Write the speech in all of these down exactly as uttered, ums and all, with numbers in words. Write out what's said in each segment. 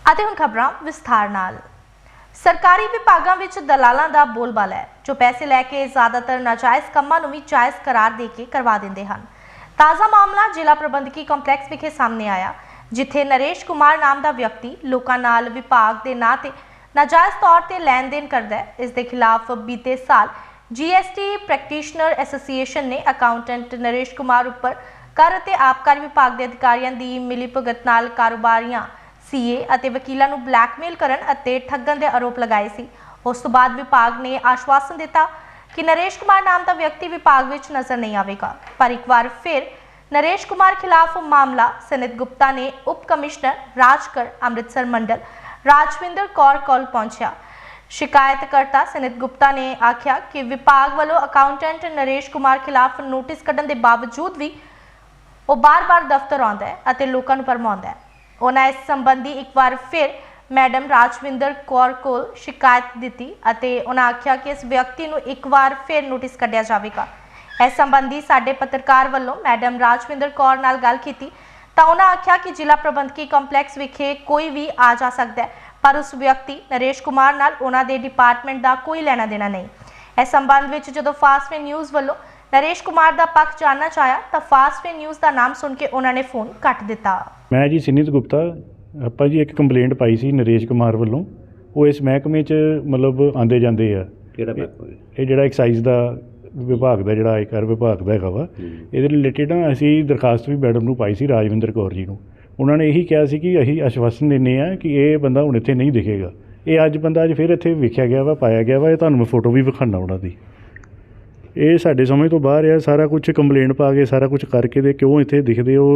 ਅਤੇ ਹੁਣ ਖਬਰਾਂ ਵਿਸਥਾਰ ਨਾਲ। ਸਰਕਾਰੀ ਵਿਭਾਗਾਂ ਵਿੱਚ ਦਲਾਲਾਂ ਦਾ ਬੋਲਬਾਲਾ ਹੈ ਜੋ ਪੈਸੇ ਲੈ ਕੇ ਜ਼ਿਆਦਾਤਰ ਨਾਜਾਇਜ਼ ਕੰਮਾਂ ਨੂੰ ਵੀ ਜਾਇਜ਼ ਕਰਾਰ ਦੇ ਕੇ ਕਰਵਾ ਦਿੰਦੇ ਹਨ। ਤਾਜ਼ਾ ਮਾਮਲਾ ਜ਼ਿਲ੍ਹਾ ਪ੍ਰਬੰਧਕੀ ਕੰਪਲੈਕਸ ਵਿਖੇ ਸਾਹਮਣੇ ਆਇਆ, ਜਿੱਥੇ ਨਰੇਸ਼ ਕੁਮਾਰ ਨਾਮ ਦਾ ਵਿਅਕਤੀ ਲੋਕਾਂ ਨਾਲ ਵਿਭਾਗ ਦੇ ਨਾਂ ਤੇ ਨਾਜਾਇਜ਼ ਤੌਰ ਤੇ ਲੈਣ ਦੇਣ ਕਰਦਾ ਹੈ। ਇਸ ਦੇ ਖਿਲਾਫ ਬੀਤੇ ਸਾਲ G S T practitioner association ਨੇ ਅਕਾਊਂਟੈਂਟ ਨਰੇਸ਼ ਕੁਮਾਰ ਉੱਪਰ ਕਰ ਅਤੇ ਆਬਕਾਰੀ ਵਿਭਾਗ ਦੇ ਅਧਿਕਾਰੀਆਂ ਦੀ ਮਿਲੀਭਗਤ ਨਾਲ ਕਾਰੋਬਾਰੀਆਂ, ਸੀਏ ਅਤੇ ਵਕੀਲਾਂ ਨੂੰ ਬਲੈਕਮੇਲ ਕਰਨ ਅਤੇ ਠੱਗਣ ਦੇ ਆਰੋਪ ਲਗਾਏ ਸੀ। ਉਸ ਤੋਂ ਬਾਅਦ ਵਿਭਾਗ ਨੇ ਆਸ਼ਵਾਸਨ ਦਿੱਤਾ ਕਿ ਨਰੇਸ਼ ਕੁਮਾਰ ਨਾਮ ਦਾ ਵਿਅਕਤੀ ਵਿਭਾਗ ਵਿੱਚ ਨਜ਼ਰ ਨਹੀਂ ਆਵੇਗਾ, ਪਰ ਇੱਕ ਵਾਰ ਫਿਰ ਨਰੇਸ਼ ਕੁਮਾਰ ਖਿਲਾਫ ਮਾਮਲਾ ਸਨਿਤ ਗੁਪਤਾ ਨੇ ਉਪ ਕਮਿਸ਼ਨਰ ਰਾਜਗੜ੍ਹ ਅੰਮ੍ਰਿਤਸਰ ਮੰਡਲ ਰਾਜਵਿੰਦਰ ਕੌਰ ਕੋਲ ਪਹੁੰਚਿਆ। शिकायतकर्ता सनित गुप्ता ने आख्या कि विभाग वालों अकाउंटेंट नरेश कुमार खिलाफ नोटिस कढ़न के बावजूद भी वो बार बार दफ्तर आउंदा है अते लोकां नूं भरमाउंदा है। उन्हां इस संबंधी एक बार फिर मैडम राजविंदर कौर कोल शिकायत दी अते उन्हां आख्या कि इस व्यक्ति नूं एक बार फिर नोटिस कढ़िया जावेगा। इस संबंधी साडे पत्रकार वालों मैडम राजविंदर कौर नाल गल कीती तां उन्हां आख्या कि जिला प्रबंधकी कंपलैक्स विखे कोई भी आ जा सकदा है, पर उस व्यक्ति नरेश कुमार नाल उन्हां दे डिपार्टमेंट दा कोई लेना देना नहीं। इस संबंध विच जदों फास्टवे न्यूज़ वालों नरेश कुमार दा पक्ष जानना चाहया तां फास्टवे न्यूज़ दा नाम सुन के उन्हां ने फोन कट दिता। मैं जी सनित गुप्ता आपां जी एक कंप्लेंट पाई सी नरेश कुमार वालों, वो इस महकमे च मतलब आंदे जांदे आ। किहड़ा महकमा? ये जिहड़ा एक्साइज दा विभाग दा जिहड़ा आयकर विभाग दा हैगा वा, इहदे रिलेटेड ना असीं दरखास्त भी मैडम नूं पाई सी राजविंदर कौर जी नूं। उन्होंने यही कहा सी कि असीं आश्वासन दिंदे आ कि ये बंदा हुण इत्थे नहीं दिखेगा। ये अज बंदा अज फिर इत्थे वेखिया गया वा, पाया गया वा। ये तुहानूं मैं फोटो भी विखाना उन्हां दी। ये साडे समझ तो बाहर है। सारा कुछ कंप्लेंट पा के सारा कुछ करके ते क्यों इत्थे दिखदे हो?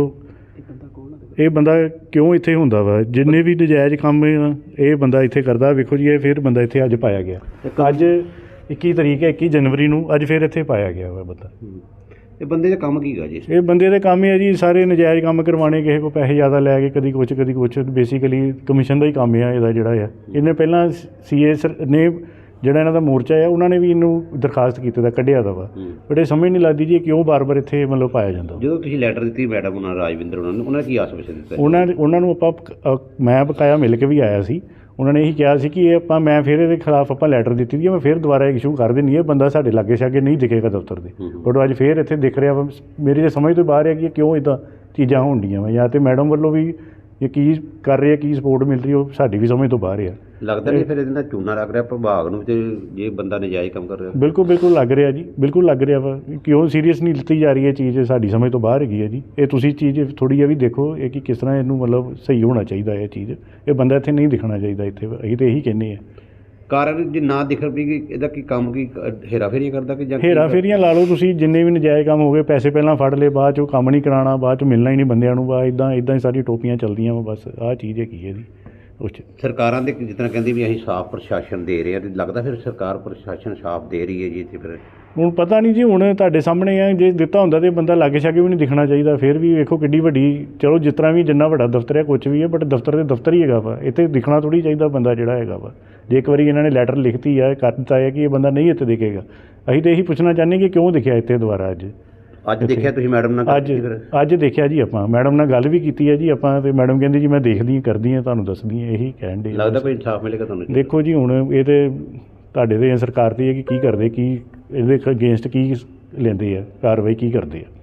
ये बंदा क्यों इत्थे हुंदा वा? जिन्ने भी नजायज़ काम ये बंदा इत्थे करदा, वेखो जी ये फिर बंदा इत्थे अज पाया गया। अज इक्की तरीक है, इक्की जनवरी नूं अज फिर इत्थे पाया गया वा बंदा। ਇਹ ਬੰਦੇ ਦਾ ਕੰਮ ਕੀ ਹੈ ਜੀ? ਇਹ ਬੰਦੇ ਦੇ ਕੰਮ ਹੈ ਜੀ ਸਾਰੇ ਨਜਾਇਜ਼ ਕੰਮ ਕਰਵਾਉਣੇ, ਕਿਸੇ ਕੋ ਪੈਸੇ ਜ਼ਿਆਦਾ ਲੈ ਕੇ ਕਦੀ ਕੁਛ ਕਦੀ ਕੁਛ। ਬੇਸਿਕਲੀ ਕਮਿਸ਼ਨ ਦਾ ਹੀ ਕੰਮ ਆ ਇਹਦਾ ਜਿਹੜਾ ਆ। ਇਹਨੇ ਪਹਿਲਾਂ ਸੀਏ ਨੇ ਜਿਹੜਾ ਇਹਨਾਂ ਦਾ ਮੋਰਚਾ ਆ ਉਹਨਾਂ ਨੇ ਵੀ ਇਹਨੂੰ ਦਰਖਾਸਤ ਕੀਤੀ ਦਾ ਕੱਢਿਆ ਦਾ ਵਾ, ਬਟ ਇਹ ਸਮਝ ਨਹੀਂ ਲੱਗਦੀ ਜੀ ਕਿਉਂ ਬਾਰ ਬਾਰ ਇੱਥੇ ਮਤਲਬ ਪਾਇਆ ਜਾਂਦਾ। ਜਦੋਂ ਤੁਸੀਂ ਲੈਟਰ ਦਿੱਤੀ ਮੈਡਮ ਉਹਨਾਂ ਰਾਜਵਿੰਦਰ ਉਹਨਾਂ ਨੂੰ, ਉਹਨਾਂ ਨੇ ਕੀ ਆਸ਼ਵਾਸਨ ਦਿੱਤਾ? ਉਹਨਾਂ ਉਹਨਾਂ ਨੂੰ ਆਪਾਂ ਮੈਂ ਬਕਾਇਆ ਮਿਲ ਕੇ ਵੀ ਆਇਆ ਸੀ। ਉਹਨਾਂ ਨੇ ਇਹੀ ਕਿਹਾ ਸੀ ਕਿ ਇਹ ਆਪਾਂ ਮੈਂ ਫਿਰ ਇਹਦੇ ਖਿਲਾਫ ਆਪਾਂ ਲੈਟਰ ਦਿੱਤੀ ਦੀ, ਮੈਂ ਫਿਰ ਦੁਬਾਰਾ ਇਸ਼ੂ ਕਰ ਦੇਣੀ ਹੈ। ਬੰਦਾ ਸਾਡੇ ਲਾਗੇ ਛਾਗੇ ਨਹੀਂ ਦਿਖੇਗਾ ਦਫ਼ਤਰ ਦੇ, ਬਟ ਅੱਜ ਫਿਰ ਇੱਥੇ ਦਿਖ ਰਿਹਾ ਵਾ। ਮੇਰੀ ਤਾਂ ਸਮਝ ਤੋਂ ਬਾਹਰ ਹੈ ਕਿ ਕਿਉਂ ਇੱਦਾਂ ਚੀਜ਼ਾਂ ਹੋਣ ਡੀਆਂ ਵਾ, ਜਾਂ ਤਾਂ ਮੈਡਮ ਵੱਲੋਂ ਵੀ ਇਹ ਕੀ ਕਰ ਰਹੇ, ਕੀ ਸਪੋਰਟ ਮਿਲ ਰਹੀ, ਉਹ ਸਾਡੀ ਵੀ ਸਮਝ ਤੋਂ ਬਾਹਰ ਆ। ਲੱਗਦਾ ਨਹੀਂ ਫਿਰ ਇਹਦੇ ਨਾਲ ਚੂਨਾ ਲੱਗ ਰਿਹਾ ਵਿਭਾਗ ਨੂੰ ਤੇ ਜੇ ਬੰਦਾ ਨਜਾਇਜ਼ ਕੰਮ ਕਰ ਰਿਹਾ? ਬਿਲਕੁਲ ਬਿਲਕੁਲ ਲੱਗ ਰਿਹਾ ਜੀ, ਬਿਲਕੁਲ ਲੱਗ ਰਿਹਾ ਵਾ। ਕਿਉਂ ਸੀਰੀਅਸ ਨਹੀਂ ਲਿੱਤੀ ਜਾ ਰਹੀ ਇਹ ਚੀਜ਼, ਸਾਡੀ ਸਮਝ ਤੋਂ ਬਾਹਰ ਹੈਗੀ ਹੈ ਜੀ। ਇਹ ਤੁਸੀਂ ਚੀਜ਼ ਥੋੜ੍ਹੀ ਜਿਹੀ ਵੀ ਦੇਖੋ ਇਹ ਕਿ ਕਿਸ ਤਰ੍ਹਾਂ ਇਹਨੂੰ ਮਤਲਬ ਸਹੀ ਹੋਣਾ ਚਾਹੀਦਾ ਇਹ ਚੀਜ਼। ਇਹ ਬੰਦਾ ਇੱਥੇ ਨਹੀਂ ਦਿਖਣਾ ਚਾਹੀਦਾ ਇੱਥੇ, ਅਸੀਂ ਤਾਂ ਇਹੀ ਕਹਿੰਦੇ ਹਾਂ। ਕਾਰਨ ਜੇ ਨਾ ਦਿਖ ਵੀ ਕਿ ਇਹਦਾ ਕੀ ਕੰਮ ਕੀ ਹੇਰਾ ਫੇਰੀਆਂ ਕਰਦਾ ਕਿ ਜਾਂ ਹੇਰਾ ਫੇਰੀਆਂ ਲਾ ਲਓ ਤੁਸੀਂ, ਜਿੰਨੇ ਵੀ ਨਜਾਇਜ਼ ਕੰਮ ਹੋ ਗਏ, ਪੈਸੇ ਪਹਿਲਾਂ ਫੜ ਲਏ, ਬਾਅਦ 'ਚੋਂ ਕੰਮ ਨਹੀਂ ਕਰਾਉਣਾ, ਬਾਅਦ 'ਚ ਮਿਲਣਾ ਹੀ ਨਹੀਂ ਬੰਦਿਆਂ ਨੂੰ, ਬਾ ਇੱਦਾਂ ਇੱਦਾਂ ਹੀ ਸਾਰੀ ਟੋਪੀਆਂ ਚੱਲਦੀਆਂ ਵਾ। ਬਸ ਆਹ ਚੀਜ਼ ਹੈਗੀ ਹੈ ਜੀ। ਉਸ 'ਚ ਸਰਕਾਰਾਂ ਦੇ ਜਿਸ ਤਰ੍ਹਾਂ ਕਹਿੰਦੀ ਵੀ ਅਸੀਂ ਸਾਫ਼ ਪ੍ਰਸ਼ਾਸਨ ਦੇ ਰਹੇ ਹਾਂ, ਤੇ ਲੱਗਦਾ ਫਿਰ ਸਰਕਾਰ ਪ੍ਰਸ਼ਾਸਨ ਸਾਫ਼ ਦੇ ਰਹੀ ਹੈ ਜੀ ਇੱਥੇ? ਫਿਰ ਹੁਣ ਪਤਾ ਨਹੀਂ ਜੀ, ਹੁਣ ਤੁਹਾਡੇ ਸਾਹਮਣੇ ਆ। ਜੇ ਦਿੱਤਾ ਹੁੰਦਾ ਤਾਂ ਬੰਦਾ ਲਾਗੇ ਛਾਗੇ ਵੀ ਨਹੀਂ ਦਿਖਣਾ ਚਾਹੀਦਾ। ਫਿਰ ਵੀ ਵੇਖੋ ਕਿੱਡੀ ਵੱਡੀ, ਚਲੋ ਜਿਸ ਤਰ੍ਹਾਂ ਵੀ ਜਿੰਨਾ ਵੱਡਾ ਦਫ਼ਤਰ ਹੈ ਕੁਛ ਵੀ ਹੈ, ਬਟ ਦਫ਼ਤਰ ਤੇ ਦਫ਼ਤਰ ਹੀ ਹੈਗਾ ਵਾ। ਇੱਥੇ ਦਿਖਣਾ ਥੋੜ੍ਹੀ ਚਾਹੀਦਾ ਬੰਦਾ ਜਿਹੜਾ ਹੈਗਾ ਵਾ। ਜੇ ਇੱਕ ਵਾਰੀ ਇਹਨਾਂ ਨੇ ਲੈਟਰ ਲਿਖਤੀ ਆ, ਕਰ ਦਿੱਤਾ ਹੈ ਕਿ ਇਹ ਬੰਦਾ ਨਹੀਂ ਇੱਥੇ ਦਿਖੇਗਾ, ਅਸੀਂ ਤਾਂ ਇਹੀ ਪੁੱਛਣਾ ਚਾਹੁੰਦੇ ਕਿ ਕਿਉਂ ਦਿਖਿਆ ਇੱਥੇ ਦੁਬਾਰਾ ਅੱਜ? ਅੱਜ ਦੇਖਿਆ ਤੁਸੀਂ ਮੈਡਮ ਨਾਲ? ਅੱਜ ਅੱਜ ਦੇਖਿਆ ਜੀ, ਆਪਾਂ ਮੈਡਮ ਨਾਲ ਗੱਲ ਵੀ ਕੀਤੀ ਹੈ ਜੀ ਆਪਾਂ, ਤੇ ਮੈਡਮ ਕਹਿੰਦੀ ਜੀ ਮੈਂ ਦੇਖਦੀ ਹਾਂ, ਕਰਦੀ ਹਾਂ, ਤੁਹਾਨੂੰ ਦੱਸਦੀ ਹਾਂ। ਇਹੀ ਕਹਿਣ ਦੇ। ਲੱਗਦਾ ਕੋਈ ਇਨਸਾਫ ਮਿਲੇਗਾ ਤੁਹਾਨੂੰ? ਦੇਖੋ ਜੀ ਹੁਣ ਇਹ ਤਾਂ ਤੁਹਾਡੇ 'ਤੇ ਸਰਕਾਰ 'ਤੇ ਹੈ ਕਿ ਕੀ ਕਰਦੇ, ਕੀ ਇਹਦੇ ਅਗੇਂਸਟ ਕੀ ਲੈਂਦੇ ਆ, ਕਾਰਵਾਈ ਕੀ ਕਰਦੇ ਆ।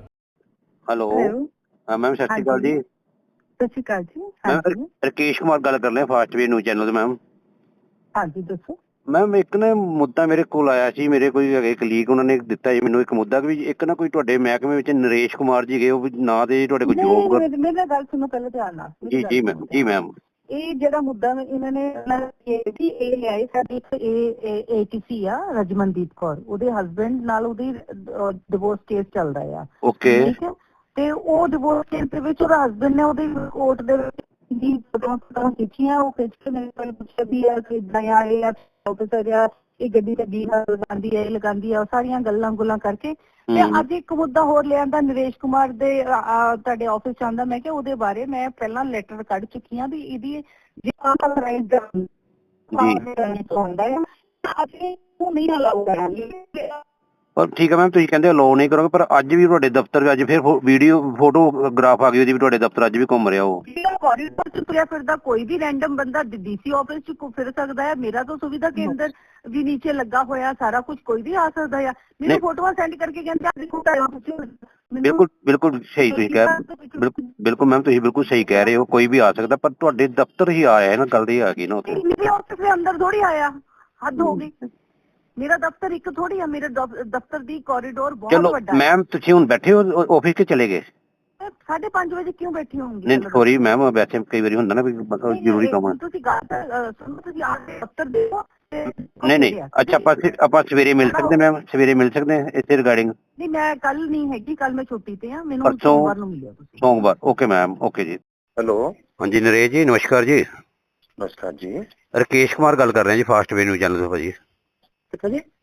ਹੈਲੋ ਹਾਂ ਮੈਮ, ਸਤਿ ਸ਼੍ਰੀ ਅਕਾਲ ਜੀ। ਸਤਿ ਸ਼੍ਰੀ ਅਕਾਲ ਜੀ। ਮੈਂ ਰਕੇਸ਼ ਕੁਮਾਰ ਗੱਲ ਕਰ ਰਿਹਾ ਫਾਸਟਵੇ ਨਿਊਜ਼ ਚੈਨਲ ਤੋਂ। ਮੈਮ ਹਾਂਜੀ ਦੱਸੋ। ਮੈਮ ਇੱਕ ਨਾ ਮੁੱਦਾ ਮੇਰੇ ਕੋਲ ਆਇਆ ਸੀ, ਮੇਰੇ ਕੋਈ ਹੈਗੇ ਕਲੀਗ, ਉਹਨਾਂ ਨੇ ਦਿੱਤਾ ਜੀ ਮੈਨੂੰ ਇੱਕ ਮੁੱਦਾ ਵੀ ਇੱਕ ਨਾ ਕੋਈ ਤੁਹਾਡੇ ਮਹਿਕਮੇ ਵਿੱਚ ਨਰੇਸ਼ ਕੁਮਾਰ ਜੀ ਗਏ, ਉਹ ਨਾਂ ਦੇ ਤੁਹਾਡੇ ਕੋਲ ਜੋਬ। ਮੇਰੀ ਗੱਲ ਸੁਣੋ ਪਹਿਲਾਂ ਧਿਆਨ ਨਾਲ। ਜੀ ਜੀ ਮੈਮ, ਜੀ ਮੈਮ। ਇਹ ਜਿਹੜਾ ਮੁੱਦਾ ਇਹਨਾਂ ਨੇ ਸੀ, ਇਹ ਹੈ ਸਾਡੀ ਇੱਕ ਏਟੀਸੀ ਆ ਰਜਮਨਦੀਪ ਕੌਰ, ਉਹਦੇ ਹਸਬੈਂਡ ਨਾਲ ਉਹਦੀ ਡਿਵੋਰਸ ਕੇਸ ਚੱਲਦਾ ਆ। ਓਕੇ। ਠੀਕ ਹੈ, ਤੇ ਉਹ ਡਿਵੋਰਸ ਕੇਸ ਦੇ ਵਿੱਚ ਉਹਦਾ ਹਸਬੈਂਡ ਨੇ ਉਹਦੀ ਕੋਰਟ ਦੇ ਵਿੱਚ ਦੀ ਫੋਟੋਆਂ ਖਿੱਚੀਆਂ। ਉਹ ਖਿੱਚ ਕੇ ਮੇਰੇ ਕੋਲ ਪੁੱਛਿਆ ਵੀ ਆ ਕਿ ਇਦਾਂ ਆ, ਇਹ ਆਫਿਸਰ ਆ, ਇਹ ਗੱਡੀ ਤੇ ਬੀ ਲਗਾਉਂਦੀ ਹੈ, ਇਹ ਲਗਾਉਂਦੀ ਆ, ਸਾਰੀਆਂ ਗੱਲਾਂ ਗੁੱਲਾਂ ਕਰਕੇ। ਤੇ ਅੱਜ ਇੱਕ ਮੁੱਦਾ ਹੋਰ ਲਿਆਂਦਾ ਨਰੇਸ਼ ਕੁਮਾਰ ਦੇ ਤੁਹਾਡੇ ਆਫਿਸ ਚ ਆਉਂਦਾ। ਮੈਂ ਕਿਹਾ ਉਹਦੇ ਬਾਰੇ ਮੈਂ ਪਹਿਲਾਂ ਲੈਟਰ ਕੱਢ ਚੁੱਕੀ ਹਾਂ ਵੀ ਇਹਦੀ ਜੇ ਆਥੋਰਾਈਜ਼ਡ ਹੁੰਦਾ ਹੈ, ਅੱਜ ਉਹ ਨਹੀਂ ਅਲਾਉ ਕਰਾਂਗੇ। ਪਰ ਠੀਕ ਹੈ ਮੈਮ, ਤੁਸੀਂ ਕਹਿੰਦੇ ਅਲਾਉ ਨਹੀਂ ਕਰੋਗੇ, ਪਰ ਅੱਜ ਵੀ ਤੁਹਾਡੇ ਦਫ਼ਤਰ ਅੱਜ ਫਿਰ ਵੀਡੀਓ ਫੋਟੋਗ੍ਰਾਫ ਆ ਗਈ ਉਹਦੀ ਵੀ ਤੁਹਾਡੇ ਦਫ਼ਤਰ ਅੱਜ ਵੀ ਘੁੰਮ ਰਿਹਾ ਉਹ। ਕੋਰੀਡੋਰ ਚ ਤੁਰਿਆ ਫਿਰਦਾ ਕੋਈ ਵੀ ਰੈਂਡਮ ਬੰਦਾ ਡੀਸੀ ਆਫਿਸ ਚ ਘੁ- ਫਿਰ ਸਕਦਾ ਹੈ। ਮੇਰਾ ਤਾਂ ਸੁਵਿਧਾ ਕੇਂਦਰ ਵੀ ਨੀਚੇ ਲੱਗਾ ਹੋਇਆ, ਸਾਰਾ ਕੁਝ ਕੋਈ ਵੀ ਆ ਸਕਦਾ ਹੈ। ਮੈਨੂੰ ਫੋਟੋਆਂ ਸੈਂਡ ਕਰਕੇ ਕਹਿੰਦੇ ਆ ਦੇਖੋ ਟਾਈਮ ਪੁੱਛੋ ਬਿਲਕੁਲ ਬਿਲਕੁਲ ਸਹੀ ਤੁਸੀਂ ਕਹਿ ਬਿਲਕੁਲ ਬਿਲਕੁਲ ਮੈਮ, ਤੁਸੀਂ ਬਿਲਕੁਲ ਸਹੀ ਕਹਿ ਰਹੇ ਹੋ, ਕੋਈ ਵੀ ਆ ਸਕਦਾ, ਪਰ ਤੁਹਾਡੇ ਦਫ਼ਤਰ ਹੀ ਆਇਆ ਹੈ ਨਾ, ਗੱਲ ਇਹ ਆ ਗਈ ਨਾ ਉੱਥੇ। ਮੇਰੇ ਆਫਿਸ ਦੇ ਅੰਦਰ ਥੋੜੀ ਆਇਆ, ਹੱਦ ਹੋ ਗਈ। ਮੇਰਾ ਦਫ਼ਤਰ ਇੱਕ ਥੋੜੀ ਆ, ਮੇਰੇ ਦਫ਼- ਦਫ਼ਤਰ ਦੀ ਕੋਰੀਡੋਰ ਬਹੁਤ ਚਲੋ ਵੱਡਾ ਹੈ। ਮੈਮ, ਤੁਸੀਂ ਹੁਣ ਬੈਠੇ ਹੋ ਆਫਿਸ 'ਚ ਚਲੇ ਗਏ? ਸਾਢੇ ਪੰਜ ਵਜੇ ਕਿਉਂ ਬੈਠੀ ਹੋਊਂਗੀ? ਨਹੀਂ ਸੋਰੀ ਮੈਮ, ਵੈਸੇ ਕਈ ਵਾਰੀ ਹੁੰਦਾ ਨਾ ਵੀ ਮਤਲਬ ਜ਼ਰੂਰੀ ਕੰਮ ਆ। ਤੁਸੀਂ ਗੱਲ ਅ, ਸੁਣੋ, ਤੁਸੀਂ ਆ ਕੇ ਦਫ਼ਤਰ ਦੇਖੋ ਤੇ ਨਹੀਂ ਨਹੀਂ ਅੱਛਾ, ਆਪਾਂ ਆਪਾਂ ਸਵੇਰੇ ਮਿਲ ਸਕਦੇ ਮੈਮ, ਸਵੇਰੇ ਮਿਲ ਸਕਦੇ ਹਾਂ ਇਸੇ ਰਿਗਾਰਡਿੰਗ? ਨਹੀਂ, ਮੈਂ ਕੱਲ ਨਹੀਂ ਹੈਗੀ, ਕੱਲ ਮੈਂ ਛੁੱਟੀ ਤੇ ਆ, ਮੈਨੂੰ ਪਰਸੋਂ ਸੋਮਵਾਰ ਨੂੰ ਮਿਲਿਓ ਤੁਸੀਂ। ਸੋਮਵਾਰ ਓਕੇ ਮੈਮ, ਓਕੇ ਜੀ। ਹੈਲੋ, ਹਾਂਜੀ ਨਰੇਸ਼ ਜੀ, ਨਮਸਕਾਰ ਜੀ। ਨਮਸਕਾਰ ਜੀ। ਰਕੇਸ਼ ਕੁਮਾਰ ਗੱਲ ਕਰ ਰਹੇ ਹਾਂ ਜੀ, ਫਾਸਟ ਵੇ ਨਿਊਜ਼ ਚੈਨਲ ਤੋਂ ਭਾਜੀ। ਕਿੱਥੇ ਜੀ?